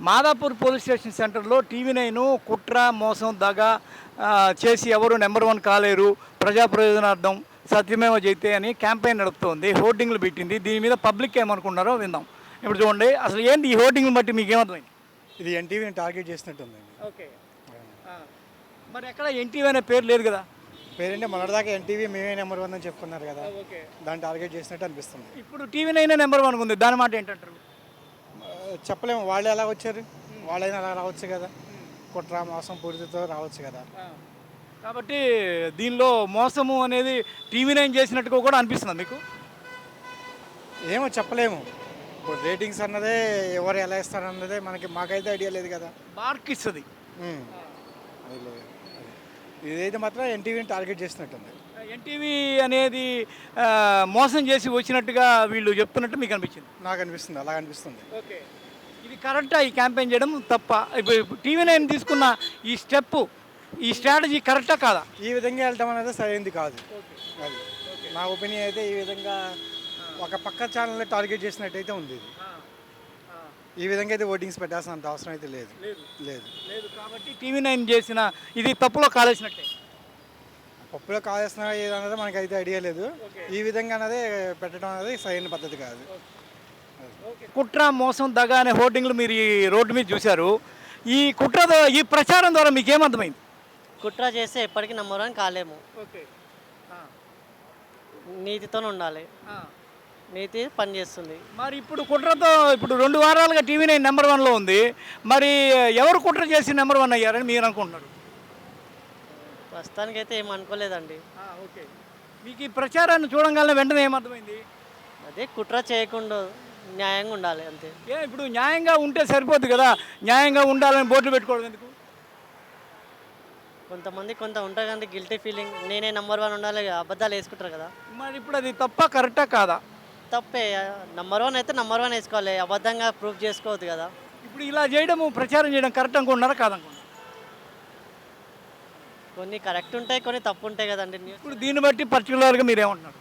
Madhapur police station సెంటర్లో TV nine కుట్ర మోసం దగ చేసి ఎవరు నెంబర్ వన్ కాలేరు ప్రజా ప్రయోజనార్థం సత్యమేవ జైతే అని క్యాంపెయిన్ నడుపుతోంది. హోర్డింగ్లు పెట్టింది. దీని మీద పబ్లిక్ ఏమనుకున్నారో విందాం. ఇప్పుడు చూడండి, అసలు ఏంటి ఈ హోర్డింగ్లు బట్టి మీకు ఏమర్థమైంది? ఇది ఎన్టీవీని టార్గెట్ చేసినట్టుందండి. ఓకే, మరి ఎక్కడ ఎన్టీవీ అనే పేరు లేదు కదా? పేరంటే మొన్నటిదాకా ఎన్టీవీ మేమే నెంబర్ 1 అని చెప్పుకున్నారు కదా, ఓకే, దాన్ని టార్గెట్ చేసినట్టు అనిపిస్తుంది. ఇప్పుడు టీవీ9 నెంబర్ వన్ ఉంది, దాని మాట ఏంటంటారు? చెప్పలేము, వాళ్ళు ఎలా వచ్చారు, వాళ్ళైనా అలా రావచ్చు కదా, కుట్ర మోసం పూర్తితో రావచ్చు కదా. కాబట్టి దీనిలో మోసము అనేది టీవీ9 చేసినట్టుగా కూడా అనిపిస్తుంది మీకు? ఏమో చెప్పలేము. ఇప్పుడు రేటింగ్స్ అన్నదే ఎవరు ఎలా ఇస్తారన్నదే మాకైతే ఐడియా లేదు కదా. మార్క్ ఇస్తుంది. అది లేదు. ఇదైతే మాత్రం ఎన్టీవీని టార్గెట్ చేసినట్టుంది. ఎన్టీవీ అనేది మోసం చేసి వచ్చినట్టుగా వీళ్ళు చెప్తున్నట్టు మీకు అనిపించింది? నాకు అనిపిస్తుంది, అలా అనిపిస్తుంది. ఓకే, ఇది కరెక్టా? ఈ క్యాంపెయిన్ చేయడం తప్ప? ఇప్పుడు టీవీ9 తీసుకున్న ఈ స్టెప్, ఈ స్ట్రాటజీ కరెక్టా కాదా? ఈ విధంగా వెళ్ళటం అనేది సరైనది కాదు. అది నా ఒపీనియన్ అయితే. ఈ విధంగా ఒక పక్క ఛానల్ని టార్గెట్ చేసినట్టయితే ఉంది. ఈ విధంగా అయితే ఓటింగ్స్ పెట్టాల్సినంత అవసరం అయితే లేదు. లేదు లేదు కాబట్టి టీవీ9 చేసిన ఇది తప్పులో కాలేసినట్టే. పప్పులో కావాల్సిన ఏదన్నది మనకైతే ఐడియా లేదు. ఈ విధంగా అనేది పెట్టడం అనేది సరైన పద్ధతి కాదు. కుట్ర మోసం దగ అనే హోర్డింగ్లు మీరు ఈ రోడ్డు మీద చూశారు. ఈ కుట్రతో ఈ ప్రచారం ద్వారా మీకు ఏమర్థమైంది? కుట్ర చేస్తే ఎప్పటికీ నెంబర్ 1 కాలేము. ఓకే, నీతితో ఉండాలి. నీతి పని చేస్తుంది. మరి ఇప్పుడు కుట్రతో ఇప్పుడు 2 వారాలుగా టీవీ9 నెంబర్ 1లో ఉంది. మరి ఎవరు కుట్ర చేసి నెంబర్ 1 అయ్యారని మీరు అనుకుంటున్నారు? ప్రస్తుతానికైతే ఏం అనుకోలేదండి. ఓకే, మీకు ఈ ప్రచారాన్ని చూడంగానే వెంటనే ఏమర్థమైంది? అదే కుట్ర చేయకుండా న్యాయంగా ఉండాలి అంతే. ఇప్పుడు న్యాయంగా ఉంటే సరిపోద్ది కదా, న్యాయంగా ఉండాలని బోర్డులు పెట్టుకోవడం ఎందుకు? కొంతమంది ఉంటారు కానీ గిల్టీ ఫీలింగ్, నేనే నెంబర్ 1 ఉండాలి, అబద్ధాలు వేసుకుంటారు కదా. మరి ఇప్పుడు అది తప్ప కరెక్టా కాదా? తప్పే. నెంబర్ 1 అయితే నెంబర్ 1 వేసుకోవాలి, అబద్ధంగా ప్రూఫ్ చేసుకోవద్దు కదా. ఇప్పుడు ఇలా చేయడము, ప్రచారం చేయడం కరెక్ట్ అనుకుంటున్నారా కాదనుకుంటున్నారా? కొన్ని కరెక్ట్ ఉంటాయి, కొన్ని తప్పు ఉంటాయి కదండి. ఇప్పుడు దీన్ని బట్టి పర్టికులర్గా మీరు ఏమంటున్నారు?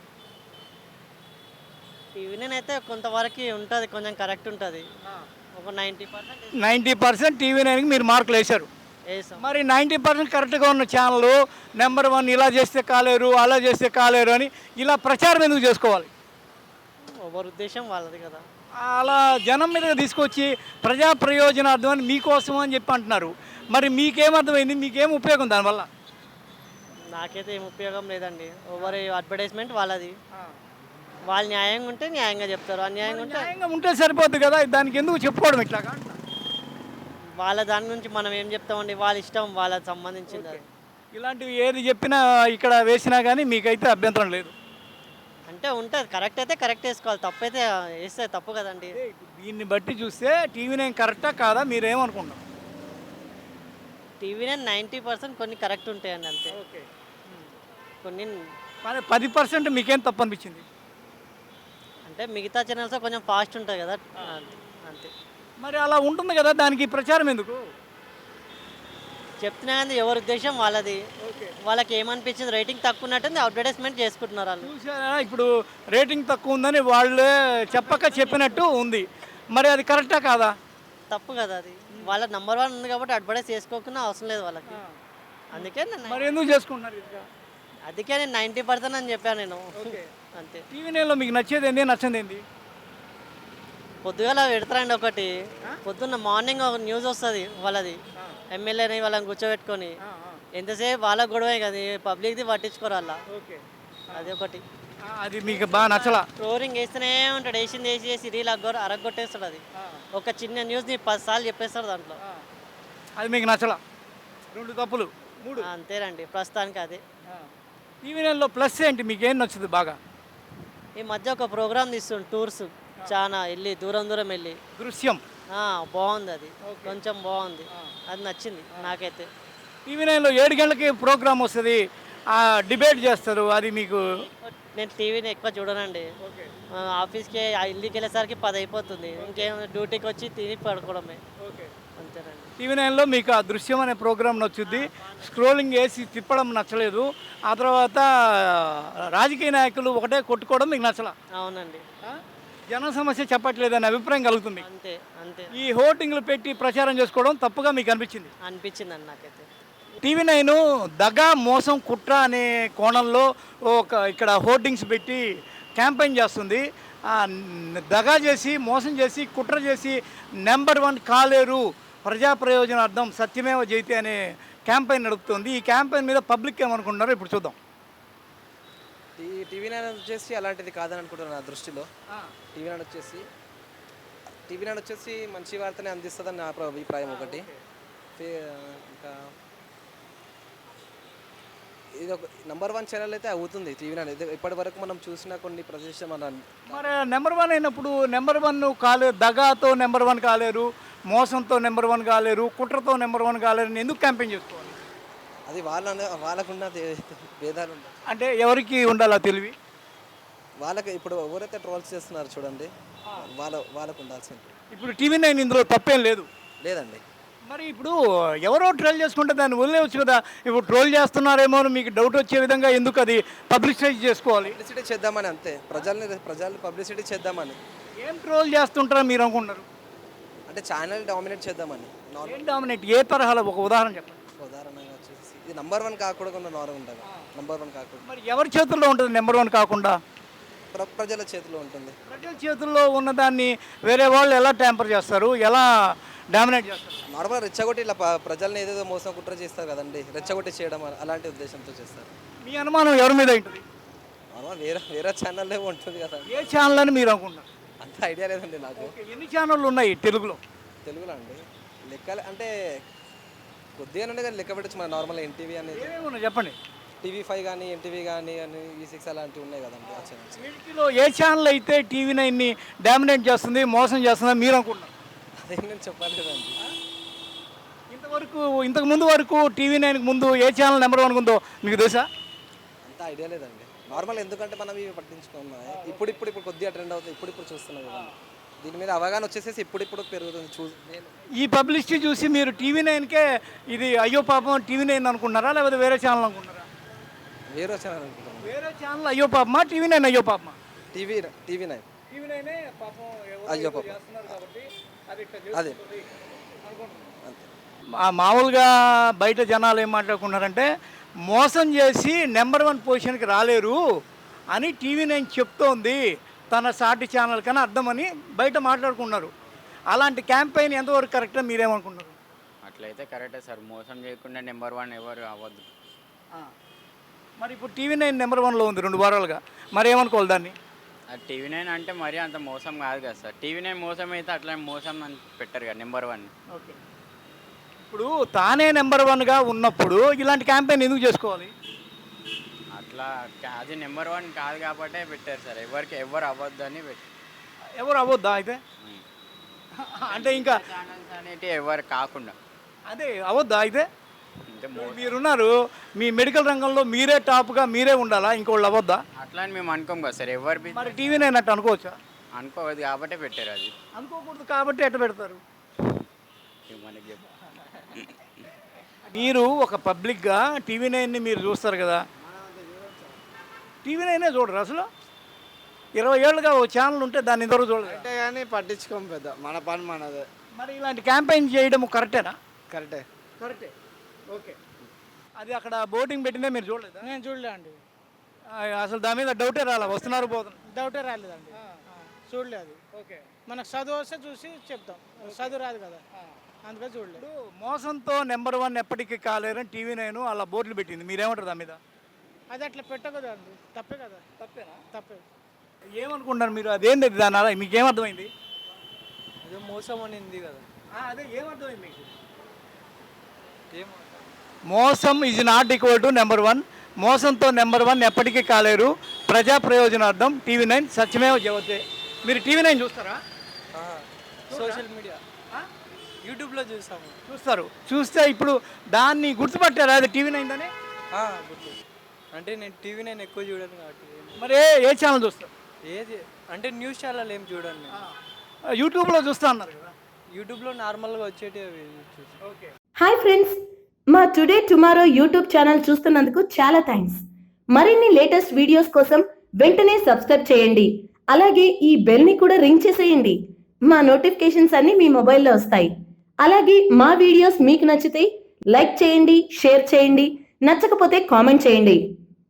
టీవీ9 అయితే కొంతవరకు ఉంటుంది, కొంచెం కరెక్ట్ ఉంటుంది. ఒక 90% 90% టీవీ9కి మీరు మార్కులు వేశారు. వేసాం. మరి 90% కరెక్ట్గా ఉన్న ఛానల్ నెంబర్ 1 ఇలా చేస్తే కాలేరు, అలా చేస్తే కాలేరు అని ఇలా ప్రచారం ఎందుకు చేసుకోవాలి? ఎవరి ఉద్దేశం వాళ్ళది కదా. అలా జనం మీదగా తీసుకొచ్చి ప్రజా ప్రయోజనార్థం అని మీకోసం అని చెప్పి అంటున్నారు. మరి మీకేమర్థమైంది? మీకేం ఉపయోగం దానివల్ల? నాకైతే ఏం ఉపయోగం లేదండి. ఎవరి అడ్వర్టైజ్మెంట్ వాళ్ళది. వాళ్ళు న్యాయంగా ఉంటే న్యాయంగా చెప్తారు, అన్యాయంగా ఉంటే న్యాయంగా ఉంటే సరిపోద్ది కదా, దానికి ఎందుకు చెప్పుకోవడం ఇట్లాగా? వాళ్ళ దాని నుంచి మనం ఏం చెప్తామండి, వాళ్ళ ఇష్టం, వాళ్ళకి సంబంధించింది అది. ఇలాంటివి ఏది చెప్పినా ఇక్కడ వేసినా కానీ మీకైతే అభ్యంతరం లేదు? అంటే ఉంటుంది, కరెక్ట్ అయితే కరెక్ట్ వేసుకోవాలి, తప్పు అయితే వేస్తే తప్పు కదండి. దీన్ని బట్టి చూస్తే టీవీ9 కరెక్టా కాదా మీరేమనుకుంటారు? టీవీనే 90% కొన్ని కరెక్ట్ ఉంటాయండి అంతే. ఓకే, కొన్ని మరి 10% మీకేం తప్పు అనిపించింది? అంటే మిగతా ఛానల్స్ కొంచెం ఫాస్ట్ ఉంటుంది కదా అంతే. మరి అలా ఉంటుంది కదా, దానికి ప్రచారం ఎందుకు? చెప్తున్నా కానీ ఎవరి ఉద్దేశం వాళ్ళది. వాళ్ళకి ఏమనిపించింది, రేటింగ్ తక్కువ ఉన్నట్టుంది, అడ్వర్టైజ్మెంట్ చేసుకుంటున్నారు వాళ్ళు. చూసారా, ఇప్పుడు రేటింగ్ తక్కువ ఉందని వాళ్ళే చెప్పినట్టు ఉంది. మరి అది కరెక్టా కాదా? తప్పు కదా అది. వాళ్ళ నెంబర్ 1 ఉంది కాబట్టి అడ్వర్టైజ్ చేసుకోకుండా అవసరం లేదు వాళ్ళకి. అందుకే మరి ఎందుకు చేసుకుంటున్నారు? అందుకే నేను 90% అని చెప్పాను నేను. అంతే. టీవీ9లో మీకు నచ్చేది ఏంటి, నచ్చింది ఏంటి? పొద్దుగాల పెడతారండి ఒకటి, పొద్దున్న మార్నింగ్ ఒక న్యూస్ వస్తుంది వాళ్ళది, ఎమ్మెల్యేని వాళ్ళని కూర్చోబెట్టుకొని ఎంతసేపు వాళ్ళ గొడవే కదా, పబ్లిక్ది పట్టించుకోరు అలా. అది ఒకటి. అది మీకు బాగా నచ్చలా? ఫ్లోరింగ్ వేస్తూనే ఉంటాడు, వేసింది వేసి రీల్ అరగొట్టేస్తాడు. అది ఒక చిన్న న్యూస్ని 10 సార్లు చెప్పేస్తాడు దాంట్లో. అది మీకు నచ్చలా? 2 తప్పులు 3 అంతేనండి ప్రస్తుతానికి అదే. టీవీ9లో ప్లస్ ఏంటి, మీకేం నచ్చుతుంది బాగా? ఈ మధ్య ఒక ప్రోగ్రామ్ తీస్తుండు, టూర్స్ చాలా వెళ్ళి దూరం వెళ్ళి. దృశ్యం బాగుంది, అది కొంచెం బాగుంది, అది నచ్చింది నాకైతే. టీవీ9లో 7 గంటలకి ప్రోగ్రామ్ వస్తుంది, డిబేట్ చేస్తారు, అది మీకు? నేను టీవీని ఎక్కువ చూడనండి. ఆఫీస్కి ఇంటికి వెళ్ళేసరికి 10 అయిపోతుంది, ఇంకేం డ్యూటీకి వచ్చి తిని పడుకోవడమే. అంతేనండి. టీవీ9లో మీకు ఆ దృశ్యం అనే ప్రోగ్రామ్ నచ్చుద్ది, స్క్రోలింగ్ వేసి తిప్పడం నచ్చలేదు, ఆ తర్వాత రాజకీయ నాయకులు ఒకటే కొట్టుకోవడం మీకు నచ్చలా? అవునండి. జన సమస్య చెప్పట్లేదనే అభిప్రాయం కలుగుతుంది. అంతే అంతే ఈ హోర్డింగ్లు పెట్టి ప్రచారం చేసుకోవడం తప్పుగా మీకు అనిపించింది. అనిపించిందండి నాకైతే. టీవీ నైన్ దగా మోసం కుట్ర అనే కోణంలో ఇక్కడ హోర్డింగ్స్ పెట్టి క్యాంపెయిన్ చేస్తుంది. దగా చేసి మోసం చేసి కుట్ర చేసి నెంబర్ 1 కాలేరు ప్రజా ప్రయోజనార్థం సత్యమేవ జయతే అనే క్యాంపెయిన్ నడుపుతుంది. ఈ క్యాంపెయిన్ మీద పబ్లిక్ ఏమనుకుంటున్నారో ఇప్పుడు చూద్దాం. ఈ టీవీ నైన్ వచ్చేసి అలాంటిది కాదని అనుకుంటున్నాను నా దృష్టిలో. టీవీ నైన్ వచ్చేసి మంచి వార్తనే అందిస్తుందని నా అభిప్రాయం ఒకటి. ఇంకా ఇది ఒక నెంబర్ 1 ఛానల్ అయితే అవుతుంది టీవీ నైన్. ఇప్పటి వరకు మనం చూసిన కొన్ని ప్రదేశం మరి నెంబర్ 1 అయినప్పుడు నెంబర్ 1 కాలేరు, దగాతో నెంబర్ 1 కాలేరు, మోసంతో నెంబర్ 1 కాలేరు, కుట్రతో నెంబర్ 1 కాలేరు అని ఎందుకు క్యాంపెయిన్ చేసుకోవాలి? అది వాళ్ళకున్న భేదాలు ఉంటాయి. అంటే ఎవరికి ఉండాలా తెలివి? వాళ్ళకి ఇప్పుడు ఎవరైతే ట్రోల్స్ చేస్తున్నారు చూడండి, వాళ్ళకు ఉండాల్సింది. ఇప్పుడు టీవీ నైన్ ఇందులో తప్పేం లేదు లేదండి. మరి ఇప్పుడు ఎవరో ట్రోల్ చేసుకుంటే దాన్ని వదిలేవచ్చు కదా. ఇప్పుడు ట్రోల్ చేస్తున్నారేమో అని మీకు డౌట్ వచ్చే విధంగా ఎందుకు అది పబ్లిసిటీ చేసుకోవాలి? పబ్లిసిటీ చేద్దామని అంతే, ప్రజల్ని పబ్లిసిటీ చేద్దామని. ఏం ట్రోల్ చేస్తుంటారో మీరు అనుకుంటారు? అంటే ఛానల్ డామినేట్ చేద్దామని. ఏం డామినేట్? ఏ తరహాలో ఒక ఉదాహరణ చెప్పండి. ఉదాహరణగా వచ్చేసి ఇది నెంబర్ 1 కాకూడదు, నార్మల్ ఉంటుంది. నెంబర్ 1 కాకూడదు. మరి ఎవరి చేతుల్లో ఉంటుంది నెంబర్ 1 కాకుండా? ప్రజల చేతిలో ఉంటుంది. ప్రజల చేతుల్లో ఉన్నదాన్ని వేరే వాళ్ళు ఎలా ట్యాంపర్ చేస్తారు, ఎలా డామినేట్ చేస్తారు? నార్మల్ రెచ్చగొట్టి ఇలా ప్రజల్ని ఏదేదో మోసం కుట్ర చేస్తారు కదండి, రెచ్చగొట్టి చేయడం అలాంటి ఉద్దేశంతో చేస్తారు. మీ అనుమానం ఎవరి మీద ఉంటుంది? నార్మల్ వేరే ఛానల్లో ఉంటుంది కదా. ఏ ఛానల్ అని మీరు అనుకుంటారు? అంత ఐడియా లేదండి నాకు. ఎన్ని ఛానళ్ళు ఉన్నాయి తెలుగులో? తెలుగులో అండి లెక్కలు అంటే కొద్దిగా నుండి కానీ లెక్క పెట్టచ్చు. మన నార్మల్ ఎన్టీవీ అనేది ఏమేమి చెప్పండి. TV5 కానీ ఎన్టీవీ కానీ అని V6 అలాంటివి ఉన్నాయి కదండి ఆ ఛానల్స్. వీటిలో ఏ ఛానల్ అయితే టీవీ నైన్ని డామినేట్ చేస్తుంది, మోసం చేస్తుందని మీరు అనుకుంటున్నారు? అదే నేను చెప్పాలి కదండి. ఇంతకు ముందు వరకు టీవీ నైన్కి ముందు ఏ ఛానల్ నెంబర్ 1 ఉందో మీకు తెలుసా? అంత ఐడియా లేదండి. నార్మల్ ఎందుకంటే మనం ఇవి పట్టించుకున్నాం. ఇప్పుడు కొద్దిగా ట్రెండ్ అవుతుంది, ఇప్పుడు చూస్తున్నాం కదండి. దీని మీద అవగాహన వచ్చేసేసి ఇప్పుడు పెరుగుతుంది. ఈ పబ్లిసిటీ చూసి మీరు టీవీ నైన్కే ఇది అయ్యో పాపం టీవీ నైన్ అనుకుంటున్నారా, లేకపోతే వేరే ఛానల్ అనుకుంటున్నారా? వేరే ఛానల్ అనుకుంటున్నాం. వేరే ఛానల్ అయ్యో పాపమా, టీవీ నైన్ అయ్యో పాపమా? టీవీ నైన్ అయ్యో పాపం. అదే మామూలుగా బయట జనాలు ఏం మాట్లాడుకున్నారంటే మోసం చేసి నెంబర్ 1 పొజిషన్కి రాలేరు అని టీవీ నైన్ చెప్తోంది తన సాటి ఛానల్ కన్నా అర్థమని బయట మాట్లాడుకున్నారు. అలాంటి క్యాంపెయిన్ ఎంతవరకు కరెక్ట్ అని మీరేమనుకున్నారు? అట్లయితే కరెక్టే సార్. మోసం చేయకుండా నెంబర్ 1 ఎవరు అవ్వద్దు. మరి ఇప్పుడు టీవీ నైన్ నెంబర్ 1లో ఉంది 2 వారాలుగా, మరి ఏమనుకోవాలి దాన్ని? అది టీవీ నైన్ అంటే మరీ అంత మోసం కాదు కదా సార్. టీవీ నైన్ మోసం అయితే అట్లా మోసం అని పెట్టారు కదా నెంబర్ 1. ఓకే, ఇప్పుడు తానే నెంబర్ 1గా ఉన్నప్పుడు ఇలాంటి క్యాంపెయిన్ ఎందుకు చేసుకోవాలి? అట్లా అది నెంబర్ 1 కాదు కాబట్టే పెట్టారు సార్. ఎవరు అవ్వద్దు అని పెట్టారు. ఎవరు అవ్వద్దా అయితే? అంటే ఇంకా ఛానల్స్ అనేవి ఎవరు కాకుండా అదే అవ్వద్దా అయితే? అంటే మీరున్నారు, మీ మెడికల్ రంగంలో మీరే టాప్గా మీరే ఉండాలా, ఇంకోళ్ళు అవ్వద్దా? అట్లా అని మేము అనుకోం కదా సార్. ఎవరు మరి టీవీ నైన్ అట్టు అనుకోవచ్చా? అనుకోవద్దు కాబట్టే పెట్టారు. అది అనుకోకూడదు కాబట్టి ఎట్ట పెడతారు? మనకి చెప్పు. మీరు ఒక పబ్లిక్గా టీవీ నైన్ని మీరు చూస్తారు కదా, టీవీ నైనే చూడరు అసలు? 20 ఏళ్ళుగా ఒక ఛానల్ ఉంటే దాన్ని ఇంతవరకు చూడలేదు అంటే కానీ పట్టించుకోం పెద్ద, మన పని మనదే. మరి ఇలాంటి క్యాంపెయిన్ చేయడం కరెక్టేనా? కరెక్టే. ఓకే, అది అక్కడ బోటింగ్ పెట్టిందే మీరు చూడలేదా? నేను చూడలే అండి. అసలు దాని మీద డౌటే రాలా, వస్తున్నారు పోతున్నారు? డౌటే రాలేదండి. చూడలేదు. ఓకే, మనకు చదువు వస్తే చూసి చెప్తాం, చదువు రాదు కదా, అందుకే చూడలేదు. మోసంతో నెంబర్ 1 ఎప్పటికీ కాలేరని టీవీ నైన్ అలా బోర్డులు పెట్టింది, మీరేమంటారు దాని మీద? అది అట్లా పెట్టకూడదు అండి, తప్పే కదా. తప్పేనా? తప్పే. ఏమనుకుంటున్నారు మీరు? అదేంటి దాని అలా మీకేమర్థమైంది? అదే మోసం అనింది కదా. అదే ఏమర్థమైంది మీకు? మోసం is not equal to number 1. మోసంతో నెంబర్ 1 ఎప్పటికీ కాలేరు. ప్రజా ప్రయోజనార్థం టీవీ నైన్ సత్యమేవ జయతే. మీరు టీవీ నైన్ చూస్తారా? సోషల్ మీడియా యూట్యూబ్లో చూస్తారు. చూస్తే ఇప్పుడు దాన్ని గుర్తుపట్టారా అది టీవీ నైన్ అని? గుర్తు. అంటే నేను టీవీ నైన్ ఎక్కువ చూడను కాబట్టి. మరి ఏ ఛానల్ చూస్తారు? ఏది అంటే న్యూస్ ఛానల్ ఏం చూడండి. యూట్యూబ్లో చూస్తా అన్నారు కదా. యూట్యూబ్లో నార్మల్గా వచ్చేటివి చూసి. ఓకే. హాయ్ ఫ్రెండ్స్, మా టుడే టుమారో యూట్యూబ్ ఛానల్ చూస్తున్నందుకు చాలా థ్యాంక్స్. మరిన్ని లేటెస్ట్ వీడియోస్ కోసం వెంటనే సబ్స్క్రైబ్ చేయండి. అలాగే ఈ బెల్ని కూడా రింగ్ చేసేయండి. మా నోటిఫికేషన్స్ అన్ని మీ మొబైల్లో వస్తాయి. అలాగే మా వీడియోస్ మీకు నచ్చితే లైక్ చేయండి, షేర్ చేయండి, నచ్చకపోతే కామెంట్ చేయండి.